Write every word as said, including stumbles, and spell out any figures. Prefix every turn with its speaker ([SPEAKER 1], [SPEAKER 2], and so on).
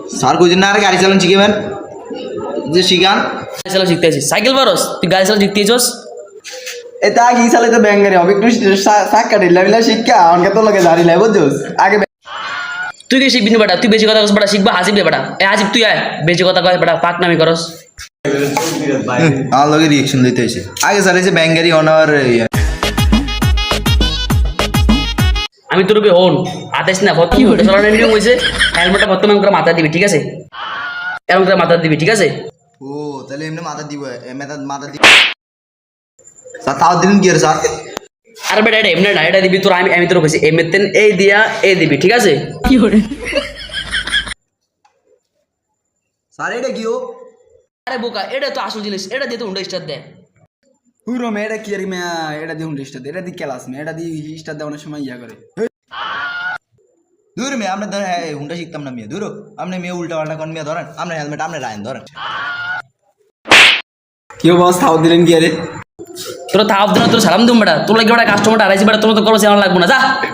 [SPEAKER 1] sir কইছেন না আর গাড়ি চালান শিখাবেন যে শিখান
[SPEAKER 2] গাড়ি চালা শিখতে আছিস সাইকেল পারস তুই গাড়ি চালা শিখতে আছিস
[SPEAKER 1] এটা কি চালে তো ব্যাঙ্গারি হবে একটু সাক্কা ঢিলা বিলা শিক্ষা আমাকে তো লাগে জারি লাই বুঝছস আগে
[SPEAKER 2] তুই কি শিখবি না বেটা তুই বেশি কথা কস বেটা শিখবা হাসিব বেটা এ হাসিব তুই আয় বেশি কথা কয় বেটা পাক নামি করস
[SPEAKER 1] আমার লগে রিঅ্যাকশন দিতে হইছে আগে স্যার এসে ব্যাঙ্গারি অনার
[SPEAKER 2] আমি তোর হন আতাইস না ভর্তি হতে চালানোর নিয়ম হয়েছে হেলমেটটা বর্তমান করে মাথা দিবি ঠিক আছে এরকম করে মাথা দিবি ঠিক আছে
[SPEAKER 1] ও তাহলে এমনি মাথা দিব মাথা মাথা দিব স্যার তাও দিন কি আর স্যার
[SPEAKER 2] আর বেটা এটা এমনি না এটা দিবি তোর আমি আমি তোর কইছি এমনিতেন এই দিয়া এই দিবি ঠিক আছে কি করে
[SPEAKER 1] স্যার এটা কি ও
[SPEAKER 2] আরে বোকা এটা তো আসল জিনিস এটা দিয়ে তো হুন্ডা স্টার দেয়
[SPEAKER 3] পুরো মে এটা কি আর মে এটা দিয়ে হুন্ডা স্টার এটা দিয়ে ক্লাস মে এটা দিয়ে স্টার দেওয়ার সময় ইয়া করে
[SPEAKER 1] দূর মেয়ে আমরা ধরেন হ্যাঁ হুন্ডা শিখতাম না মেয়ে দূর আপনি মেয়ে উল্টা পাল্টা কোন মেয়ে ধরেন আপনার হেলমেট আপনি রায়ন ধরেন
[SPEAKER 3] কেউ বস তাও দিলেন কি আরে
[SPEAKER 2] তোরা তাও দিন তোর সালাম দিম বেটা তোর লাগে বেটা কাস্টমারটা আড়াইছি বেটা তোর তো করো সে আমার লাগবো না যা